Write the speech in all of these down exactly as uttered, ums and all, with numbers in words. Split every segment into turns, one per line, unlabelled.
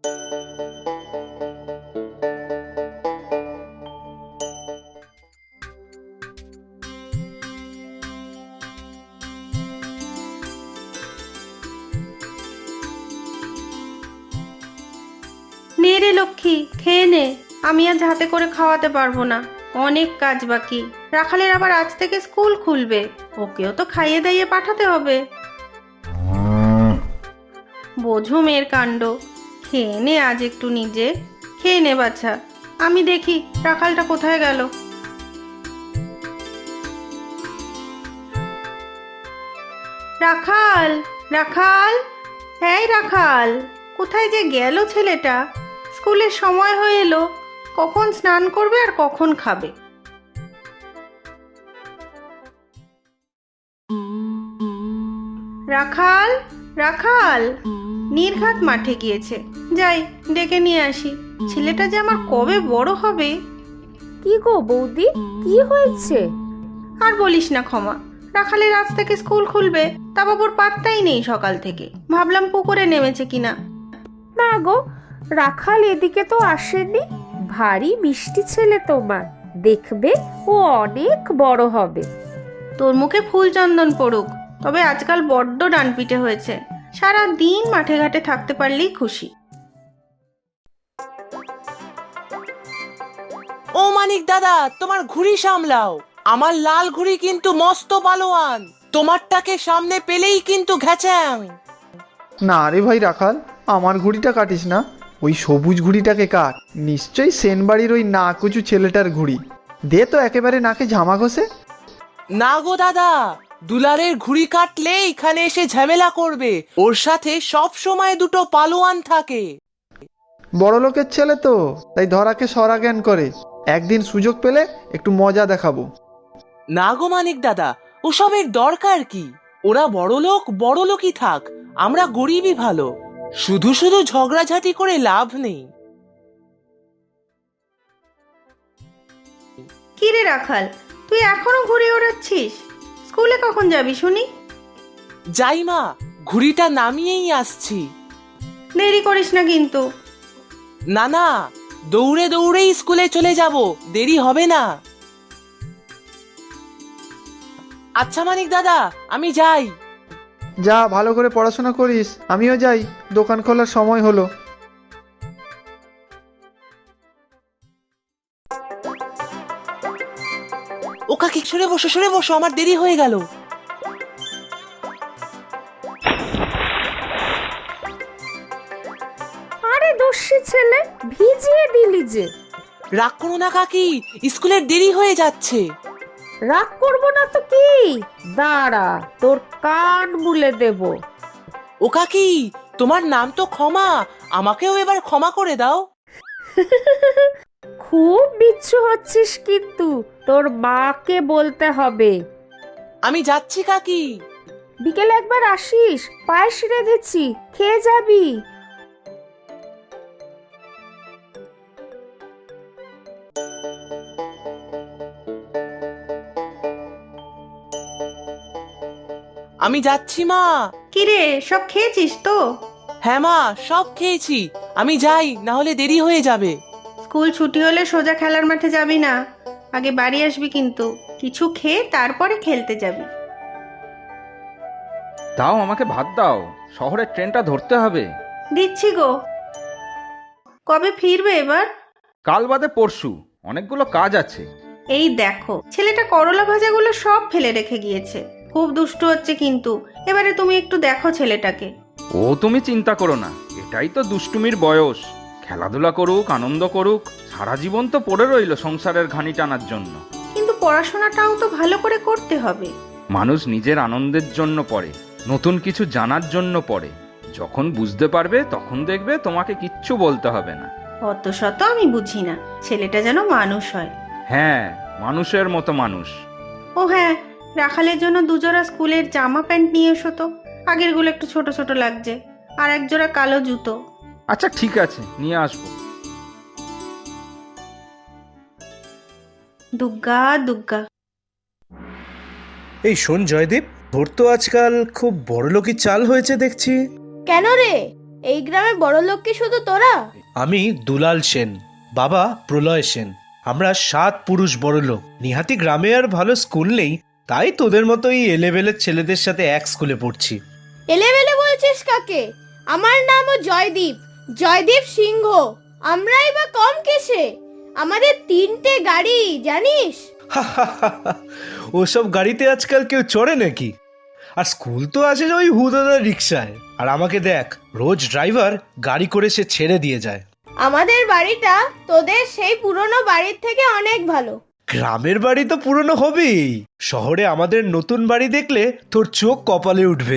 নে রে লক্ষ্মী, খেয়ে নে। আমি আজ হাতে করে খাওয়াতে পারবো না, অনেক কাজ বাকি। রাখালের আবার আজ থেকে স্কুল খুলবে, ওকেও তো খাইয়ে দাইয়ে পাঠাতে হবে। বোঝো মেয়ের কাণ্ড। খেয়ে নে আজ একটু নিজে, খেয়ে নে বাছা। আমি দেখি রাখালটা কোথায় গেল। রাখাল, রাখাল, এই রাখাল, কোথায় যে গেল ছেলেটা? স্কুলের সময় হয়ে এলো, কখন স্নান করবে আর কখন খাবে? রাখাল, রাখাল, নির্ঘাত মাঠে গিয়েছে। যাই ডেকে নিয়ে আসি, ছেলেটা যে আমার কবে বড় হবে।
কি গো বৌদি, কি হয়েছে?
আর বলিস না ক্ষমা, রাখালের আজ থেকে স্কুল খুলবে, তা বাবুর পাত্তাই নেই সকাল থেকে। ভাবলাম পুকুরে নেমেছে কিনা।
না গো, রাখাল এদিকে তো আসেনি। ভারী মিষ্টি ছেলে তোমার, দেখবে ও অনেক বড় হবে।
তোর মুখে ফুল চন্দন পড়ুক, তবে আজকাল বড্ড ডানপিটে হয়েছে। সারা দিন মাঠে ঘাটে থাকতে পারলেই খুশি।
ও মানিক দাদা, তোমার ঘুড়ি সামলাও। আমার লাল ঘুড়ি কিন্তু মস্ত পালোয়ান, তোমারটাকে সামনে পেলেই কিন্তু ঘ্যাচাং।
না রে ভাই রাখাল, আমার ঘুড়িটা কাটিস না, ওই সবুজ ঘুড়িটাকে কাট। নিশ্চয়ই সেনবাড়ির ওই নাকুচু ছেলেটার ঘুড়ি। দে তো একেবারে নাকে ঝামা ঘষে।
না গো দাদা, দুলারের ঘুড়ি কাটলে এখানে এসে ঝামেলা করবে। ওর সাথে সব সময় দুটো পালোয়ান থাকে।
বড় লোকের ছেলে তো, তাই ধরাকে সরা জ্ঞান করে। একদিন সুযোগ পেলে একটু মজা দেখাবো।
না গো মানিক দাদা, ওসবের দরকার কি? ওরা বড় লোক বড় লোকই থাক, আমরা গরিবই ভালো। শুধু শুধু ঝগড়াঝাটি করে লাভ নেই।
কি রে রাখাল, তুই এখনো ঘুরে ওড়াচ্ছিস? স্কুলে কখন যাবি শুনি?
যাই মা, ঘুড়িটা নামিয়েই আসছি।
দেরি করিস না কিন্তু।
না না, দৌড়ে দৌড়েই স্কুলে চলে যাব, দেরি হবে না। আচ্ছা মানিক দাদা, আমি যাই।
যা, ভালো করে পড়াশোনা করিস। আমিও যাই, দোকান খোলার সময় হলো।
ও কাকি, সরে বসো সরে বসো, আমার দেরি হয়ে গেল।
আরে দস্যি ছেলে, ভিজিয়ে দিলি যে।
রাগ করো না কাকি, স্কুলের দেরি হয়ে যাচ্ছে।
রাগ করবো না তো কি, দাঁড়া তোর কান মুলে দেব।
ও কাকি, তোমার নাম তো ক্ষমা, আমাকেও এবার ক্ষমা করে দাও।
খুব বিচ্ছু হচ্ছিস কিন্তু, তোর মাকে বলতে হবে।
আমি যাচ্ছি কাকি।
বিকেলে একবার আসিস, পায়েস রেঁধেছি, খেয়ে যাবি।
আমি যাচ্ছি মা।
কি রে, সব খেয়েছিস তো?
হ্যাঁ মা, সব খেয়েছি। আমি যাই, না হলে দেরি হয়ে যাবে।
স্কুল ছুটি হলে সোজা খেলার মাঠে যাবি না, আগে বাড়ি আসবি কিন্তু। কিছু খেয়ে তারপরে খেলতে যাবি।
দাও, আমাকে ভাত দাও, শহরের ট্রেনটা ধরতে হবে।
দিচ্ছি গো। কবে ফিরবে এবার?
কাল বাদে পরশু, অনেকগুলো কাজ আছে।
এই দেখো, ছেলেটা করলা ভাজাগুলো সব ফেলে রেখে গিয়েছে। খুব দুষ্টু হচ্ছে কিন্তু। এবারে তুমি একটু দেখো ছেলেটাকে।
ও তুমি চিন্তা করো না, এটাই তো দুষ্টুমির বয়স। খেলাধুলা করুক, আনন্দ করুক। সারা জীবন তো পড়ে রইল সংসারের ঘানি টানার জন্য।
কিন্তু পড়াশোনাটাও তো ভালো করে করতে হবে।
মানুষ নিজের আনন্দের জন্য পড়ে, নতুন কিছু জানার জন্য পড়ে। যখন বুঝতে পারবে তখন দেখবে তোমাকে কিচ্ছু বলতে হবে না।
অত শত আমি বুঝি না, ছেলেটা যেন মানুষ হয়।
হ্যাঁ, মানুষের মতো মানুষ।
ও হ্যাঁ, রাখালের জন্য দুজোড়া স্কুলের জামা প্যান্ট নিয়ে এসো তো। আগেরগুলো একটু ছোট ছোট লাগছে। আর এক জোড়া কালো জুতো।
আচ্ছা ঠিক আছে, নিয়ে আসবো।
দুগ্গা দুগ্গা।
এই শোন জয়দীপ, তোর তো আজকাল খুব বড়লোকি চাল হয়েছে দেখছি।
কেন রে,
এই গ্রামে বড় লোক কি শুধু তোরা?
আমি দুলাল সেন, বাবা প্রলয় সেন। আমরা সাত পুরুষ বড় লোক। নিহাতি গ্রামে আর ভালো স্কুল নেই, তাই তোদের মতো এই এলেবেলের ছেলেদের সাথে এক স্কুলে পড়ছি।
এলেবেলে বলছিস কাকে? আমার নামও জয়দীপ, জয়দীপ সিংহ। আমরাই বা কম কিসে? আমাদের তিনটে গাড়ি, জানিস?
ওসব গাড়িতে আজকাল কেউ চড়ে নাকি? আর স্কুল তো আসে ওই হুদাদার রিক্সায়। আর আমাকে দেখ, রোজ ড্রাইভার গাড়ি করে সে ছেড়ে দিয়ে যায়।
আমাদের বাড়িটা তোদের সেই পুরনো বাড়ির থেকে অনেক ভালো।
গ্রামের বাড়ি তো পুরনো হবেই, শহরে আমাদের নতুন বাড়ি দেখলে তোর চোখ কপালে উঠবে।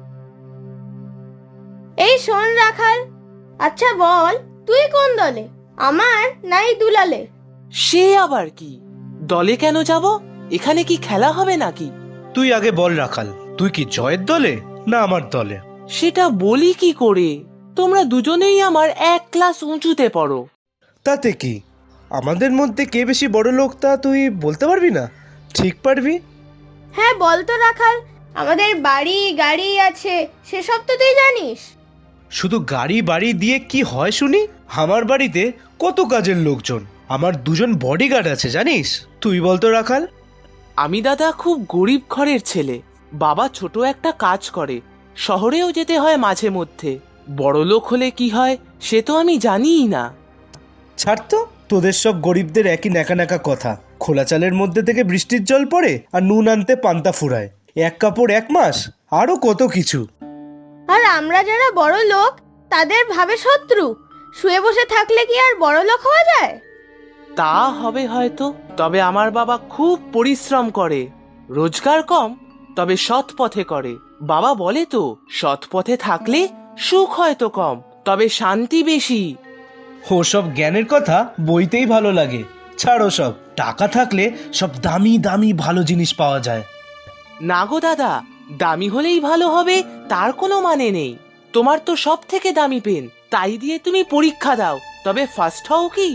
এই শোন রাখাল, আচ্ছা বল, তুই কোন দলে, আমার নাই দুলালে?
সে আবার কি? দলে কেন যাব? এখানে কি খেলা হবে নাকি?
তুই আগে বল রাখাল, তুই কি জয়ের দলে না আমার দলে?
সেটা বলি কি করে? তোমরা দুজনেই আমার এক ক্লাস উঁচুতে পড়ো।
তাতে কি, আমাদের মধ্যে কে বেশি বড় লোক তা তুই বলতে পারবি না? ঠিক পারবি?
হ্যাঁ বল তো রাখাল, আমাদের বাড়ি গাড়ি আছে, সেসব তো তুই জানিস।
শুধু গাড়ি বাড়ি দিয়ে কি হয় শুনি? আমার বাড়িতে কত কাজের লোকজন, আমার দুজন বডিগার্ড আছে জানিস? তুই বলতো রাখাল।
আমি দাদা খুব গরিব ঘরের ছেলে। বাবা ছোট একটা কাজ করে, শহরেও যেতে হয় মাঝে মধ্যে। বড় লোক হলে কি হয় সে তো আমি জানিই না।
ছাড় তো, তোদের সব গরিবদের একই ন্যাকা ন্যাকা কথা। খোলা চালের মধ্যে থেকে বৃষ্টির জল পড়ে আর নুন আনতে পান্তা ফুরায়, এক কাপড় এক মাস, আরো কত কিছু।
আর আমরা যারা বড় লোক তাদের ভাবে শত্রু। শুয়ে বসে থাকলে কি আর বড় লোক হওয়া যায়?
তা হবে হয়তো, তবে আমার বাবা খুব পরিশ্রম করে। রোজগার কম, তবে সৎ পথে করে। বাবা বলে তো, সৎ পথে থাকলে সুখ হয়তো কম, তবে শান্তি বেশি।
ওসব জ্ঞানের কথা বইতেই ভালো লাগে। ছাড়ো সব, টাকা থাকলে সব দামি দামি ভালো জিনিস পাওয়া যায়।
না গো দাদা, দামি হলেই ভালো হবে তার কোনো মানে নেই। তোমার তো সব থেকে দামি পেন, তাই দিয়ে তুমি পরীক্ষা দাও, তবে ফার্স্ট হও কি?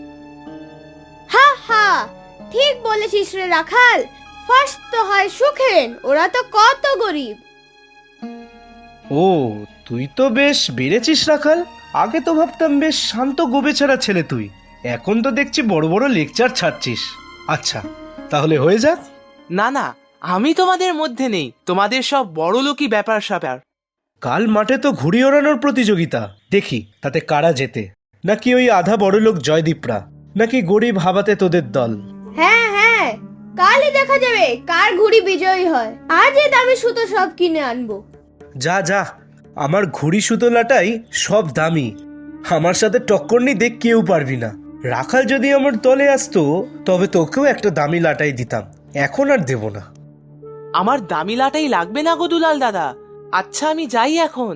হা হা, ঠিক বলেছিস রে রাখাল। ফার্স্ট তো হয় সুখেন, ওরা তো কত গরিব।
ও, তুই তো বেশ বেড়েছিস রাখাল। আগে তো ভাবতাম বেশ শান্ত গোবেছাড়া ছেলে তুই, এখন তো দেখছি বড় বড় লেকচার ছাড়ছিস। আচ্ছা, তাহলে হয়ে যাক।
না না, আমি তোমাদের মধ্যে নেই, তোমাদের সব বড় লোকই ব্যাপার স্যাপার।
কাল মাঠে তো ঘুড়ি ওড়ানোর প্রতিযোগিতা, দেখি তাতে কারা জেতে। নাকি ওই আধা বড় লোক জয়দীপরা, নাকি গরিব হাবাতে তোদের দল।
হ্যাঁ হ্যাঁ, কালই দেখা যাবে কার ঘুড়ি বিজয়ী হয়। আজই দামি সুতো সব কিনে আনবো।
যা যা, আমার ঘুড়ি সুতোলাটাই সব দামি। আমার সাথে টক্কর নিতে কেউ পারবি না। রাখাল যদি আমার দলে আসতো তবে তোকেও একটা দামি লাটাই দিতাম, এখন আর দেব না।
আমার দামি লাটাই লাগবে না গো দুলাল দাদা। আচ্ছা আমি যাই এখন।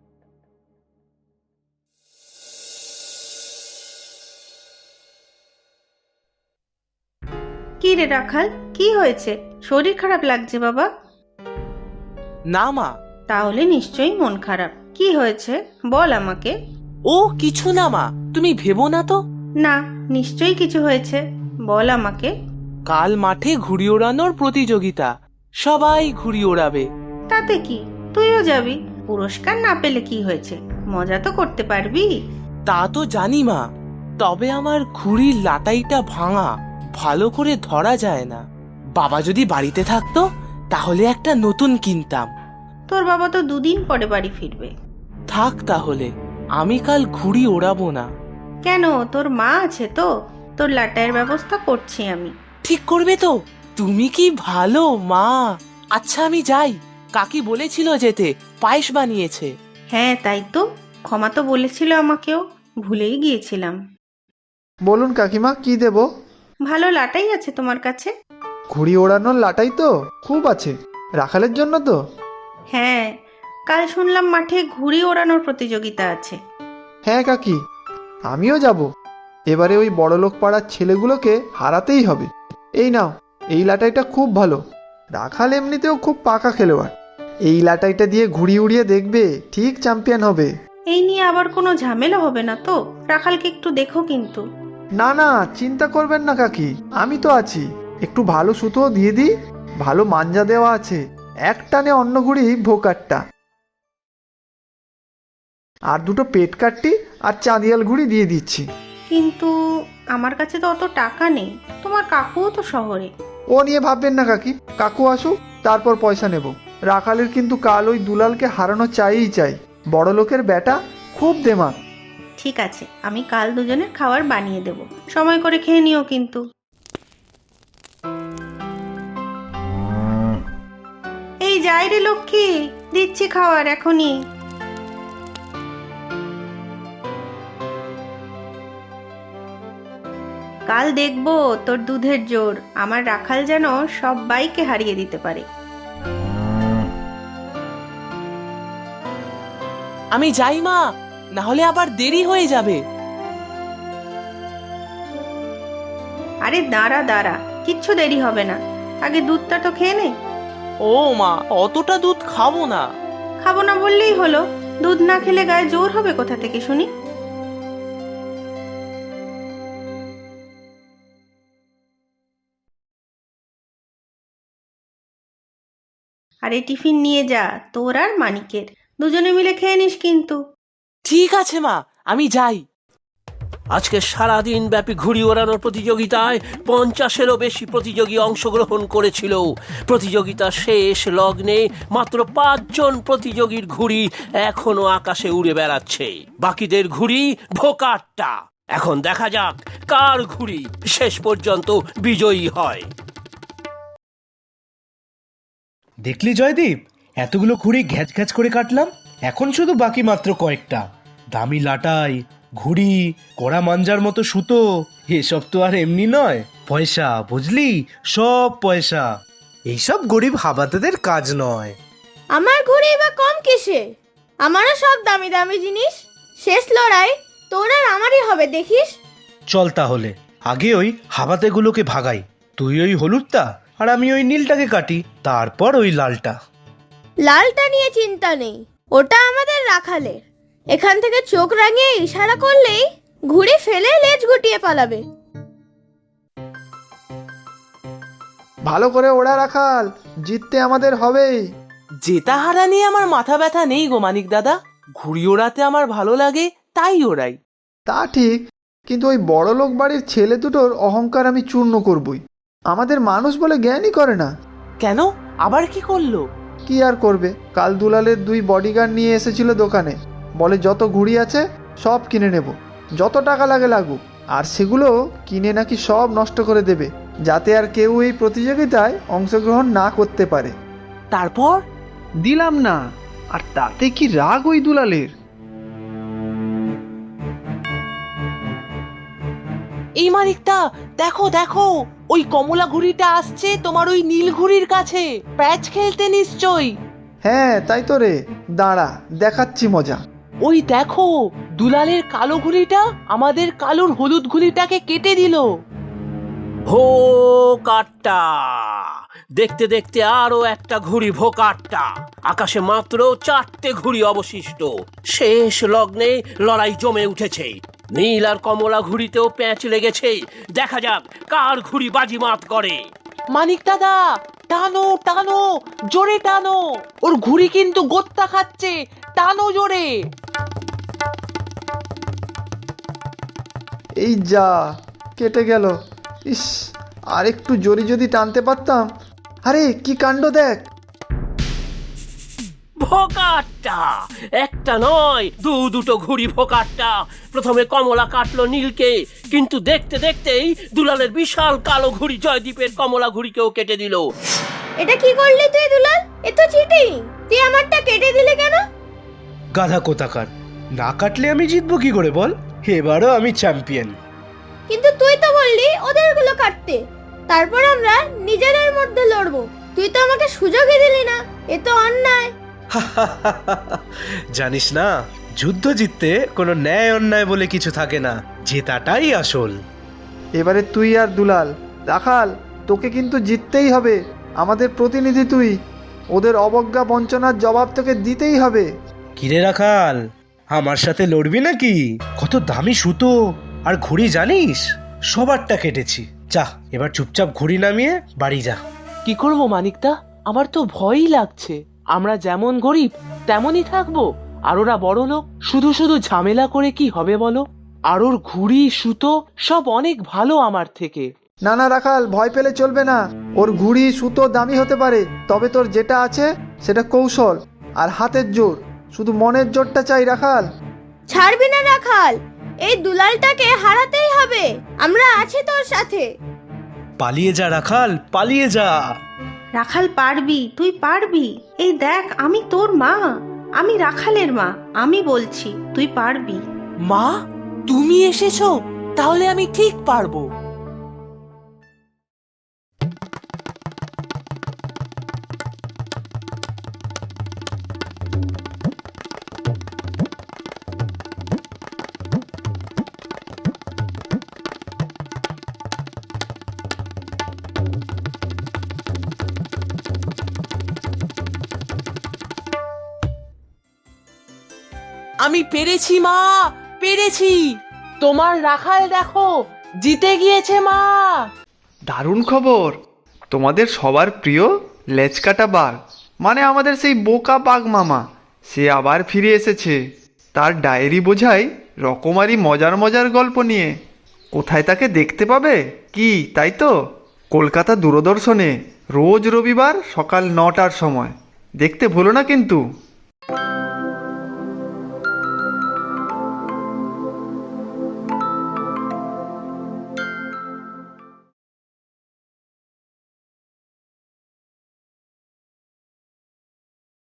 কি রে রাখাল, কি হয়েছে? শরীর খারাপ লাগছে বাবা?
না মা।
তাহলে নিশ্চয়ই মন খারাপ। কি হয়েছে বল আমাকে।
ও কিছু না মা, তুমি ভেবো না তো।
না, নিশ্চয়ই কিছু হয়েছে, বল আমাকে।
কাল মাঠে ঘুড়ি ওড়ানোর প্রতিযোগিতা, সবাই ঘুড়ি ওড়াবে।
তাতে কি, তুইও যাবি। পুরস্কার না পেলে কি হয়েছে, মজা তো করতে পারবি।
তা তো জানি মা, তবে আমার ঘুড়ির লাটাইটা ভাঙা, ভালো করে ধরা যায় না। বাবা যদি বাড়িতে থাকতো তাহলে একটা নতুন কিনতাম।
তোর বাবা তো দুদিন পরে বাড়ি ফিরবে।
থাক তাহলে, আমি কাল ঘুড়ি ওড়াবো না।
কেন, তোর মা আছে তো, তোর লাটাইয়ের ব্যবস্থা করছি আমি।
ঠিক করবে তো? তুমি কি ভালো মা। আচ্ছা আমি যাই, কাকি বলেছিল যেতে, পায়েস বানিয়েছে।
হ্যাঁ তাই তো, ক্ষমা তো বলেছিল আমাকেও, ভুলেই গিয়েছিলাম।
বলুন কাকিমা, কি দেব?
ভালো লাটাই আছে তোমার কাছে?
ঘুড়ি ওড়ানোর লাটাই তো খুব আছে, রাখালের জন্য তো।
হ্যাঁ, কাল শুনলাম মাঠে ঘুড়ি ওড়ানোর প্রতিযোগিতা আছে।
হ্যাঁ কাকি, আমিও যাব। এবারে ওই বড়লোক পাড়ার ছেলেগুলোকে হারাতেই হবে। এই নাও, এই লাটাইটা খুব ভালো। রাখাল এমনিতেও খুব পাকা খেলোয়াড়। এই লাটাইটা দিয়ে ঘুড়ি উড়িয়ে দেখবে, ঠিক চ্যাম্পিয়ন হবে।
এই নিয়ে আবার কোনো ঝামেলা হবে না তো? রাখালকে একটু দেখো কিন্তু।
না না, চিন্তা করবেন না কাকি, আমি তো আছি। একটু ভালো সুতোও দিয়ে দিই, ভালো মাঞ্জা দেওয়া আছে, এক টানে অন্য ঘুড়ি ভোকারটা। আর দুটো পেট কাটটি আর চাঁদিয়াল ঘুড়ি দিয়ে দিচ্ছি।
কিন্তু আমার কাছে তো অত টাকা নেই, তোমার কাকুও তো শহরে।
ও নিয়ে ভাববেন না কাকি, কাকু আসুক তারপর পয়সা নেব। রাখালের কিন্তু কাল ওই দুলালকে হারানো চাইই চাই। বড় লোকের বেটা, খুব দেমাক।
ঠিক আছে, আমি কাল দুজনের খাবার বানিয়ে দেব, সময় করে খেয়ে নিও কিন্তু। এই যাই রে লক্ষ্মী, দিচ্ছি খাবার এখনই। কাল দেখবো তোর দুধের জোর, আমার রাখাল যেন সবাইকে হারিয়ে দিতে পারে।
আমি যাই মা, না হলে আবার দেরি হয়ে যাবে।
আরে দাঁড়া দাঁড়া, কিচ্ছু দেরি হবে না, আগে দুধটা তো খেয়ে নে।
ও মা, অতটা দুধ খাবো না।
খাবো না বললেই হলো, দুধ না খেলে গায়ে জোর হবে কোথা থেকে শুনি? আরে টিফিন নিয়ে যা, তোর আর মানিকের, দুজনে মিলে খেয়ে নিস কিন্তু।
ঠিক আছে মা, আমি যাই।
আজকে সারাদিন ব্যাপী ঘুড়ি ওড়ানোর প্রতিযোগিতায় পঞ্চাশেরও বেশি প্রতিযোগী অংশগ্রহণ করেছিল। প্রতিযোগিতার শেষ লগ্নে মাত্র পাঁচজন প্রতিযোগীর ঘুড়ি এখনো আকাশে উড়ে বেড়াচ্ছে। বাকিদের ঘুড়ি ভোকাট্টা। এখন দেখা যাক কার ঘুড়ি শেষ পর্যন্ত বিজয়ী হয়।
দেখলি জয়দীপ, এতগুলো ঘুড়ি ঘ্যাচ ঘ্যাচ করে কাটলাম। এখন শুধু বাকি মাত্র কয়েকটা। দামি লাটাই, ঘুড়ি, কড়া মাঞ্জার মতো সুতো, এসব তো আর এমনি নয়, পয়সা, বুঝলি, সব পয়সা। এইসব গরিব হাবাতেদের কাজ নয়।
আমার ঘুড়ি বা কম কিসে? আমারও সব দামি দামি জিনিস। শেষ লড়াই তোর আর আমারই হবে, দেখিস।
চল তাহলে আগে ওই হাবাতেগুলোকে ভাগাই। তুই ওই হলুদটা আর আমি ওই নীলটাকে কাটি, তারপর ওই লালটা।
লালটা নিয়ে চিন্তা নেই, ওটা আমাদের রাখালের। এখান থেকে চোখ রাঙিয়ে ইশারা করলেই ঘুড়ি ফেলে লেজ গুটিয়ে পালাবে।
ভালো করে ওড়া রাখাল, জিততে আমাদের হবেই।
জেতা হারা নিয়ে আমার মাথা ব্যথা নেই গো মানিক দাদা, ঘুড়ি ওড়াতে আমার ভালো লাগে তাই ওড়াই।
তা ঠিক, কিন্তু ওই বড় লোক বাড়ির ছেলে দুটোর অহংকার আমি চূর্ণ করবই। আমাদের মানুষ বলে জ্ঞানই করে না।
কেন, আবার কি করলো?
কি আর করবে, কাল দুলালের দুই বডিগার্ড নিয়ে এসেছিল দোকানে, বলে যত ঘুড়ি আছে সব কিনে নেব, যত টাকা লাগে লাগুক, আর সেগুলো কিনে নাকি সব নষ্ট করে দেবে, যাতে আর কেউ এই প্রতিযোগিতায় অংশগ্রহণ না করতে পারে।
তারপর
দিলাম না, আর তাতে কি রাগ ওই দুলালের।
এই মানিকটা, দেখো দেখো, ওই কমলা ঘুড়িটা আসছে তোমার ওই নীল ঘুড়ির কাছে, প্যাচ খেলতে নিশ্চয়ই।
হ্যাঁ তাই তো রে, দাঁড়া দেখাচ্ছি মজা।
ওই দেখো, দুলালের কালো ঘুড়িটা আমাদের কালোর হলুদ ঘুড়িটাকে কেটে দিল।
ভোকাট্টা। দেখতে দেখতে আরো একটা ঘুড়ি ভোকাট্টা। আকাশে মাত্র চারটে ঘুড়ি অবশিষ্ট। শেষ লগ্নে লড়াই জমে উঠেছে। নীল আর কমলা ঘুড়িতেও প্যাঁচ লেগেছে। দেখা যাক কার ঘুড়ি বাজিমাত করে।
মানিক দাদা, টানো টানো, জোরে টানো, ওর ঘুড়ি কিন্তু গোত্তা খাচ্ছে, টানো জোরে।
এই যা, কেটে গেল। ইস, আর একটু জোরে যদি টানতে পারতাম। আরে কি কাণ্ড দেখ।
ভোকাট্টা। একটা নয়, দু দুটো ঘুড়ি ভোকাট্টা। প্রথমে কমলা কাটলো নীলকে, কিন্তু দেখতে দেখতেই দুলালের বিশাল কালো ঘুড়ি জয়দীপের কমলা ঘুড়িকেও কেটে দিল।
এটা কি করলি তুই দুলাল? এ তো চিটিং। তুই আমারটা কেটে দিলে কেন?
গাধা কোথাকার, না কাটলে আমি জিতবো কি করে বল? এবারও আমি চ্যাম্পিয়ন।
কিন্তু তুই তো বললি ওদেরগুলো কাটতে, তারপর আমরা নিজেদের মধ্যে লড়বো। তুই তো আমাকে সুযোগই দিলি না, এ তো অন্যায়।
জানিস না, যুদ্ধ জিততে কোনো ন্যায় অন্যায় বলে কিছু থাকে না, জেতাটাই আসল।
এবারে তুই আর দুলাল। রাখাল, তোকে কিন্তু জিততেই হবে, আমাদের প্রতিনিধি তুই। ওদের অবজ্ঞা বঞ্চনার জবাব তোকে দিতেই হবে।
কিরে রাখাল, আমার সাথে লড়বি নাকি? কত দামি সুতো আর ঘুড়ি জানিস, সবারটা কেটেছি। যা, এবার চুপচাপ ঘুড়ি নামিয়ে বাড়ি যা।
কি করবো মানিকদা, আমার তো ভয়ই লাগছে। আমরা যেমন গরিব তেমনই থাকবো, আর ওরা বড় লোক, শুধু শুধু ঝামেলা করে কি হবে বলো? আর ওর ঘুড়ি সুতো সব অনেক ভালো আমার থেকে।
না না রাখাল, ভয় পেলে চলবে না। ওর ঘুড়ি সুতো দামি হতে পারে, তবে তোর যেটা আছে সেটা কৌশল আর হাতের জোর। শুধু মনের জোরটা চাই রাখাল।
ছাড়বি না রাখাল, এই দুলালটাকে হারাতেই হবে। আমরা আছি তোর সাথে।
পালিয়ে যা রাখাল, পালিয়ে যা।
রাখাল পারবি, তুই পারবি। এই দেখ, আমি তোর মা, আমি রাখালের মা, আমি বলছি তুই পারবি।
মা, তুমি এসেছো? তাহলে আমি ঠিক পারবো। আমি পেরেছি মা, পেরেছি। তোমার রাখাল দেখো, জিতে গিয়েছে মা।
দারুণ খবর। তোমাদের সবার প্রিয় লেজকাটা বাঘ, মানে আমাদের সেই বোকা বাঘ মামা, সে আবার ফিরে এসেছে। তার ডায়েরি বোঝাই রকমারি মজার মজার গল্প নিয়ে। কোথায় তাকে দেখতে পাবে কি, তাই তো? কলকাতা দূরদর্শনে রোজ রবিবার সকাল নটার সময়। দেখতে ভুলো না কিন্তু।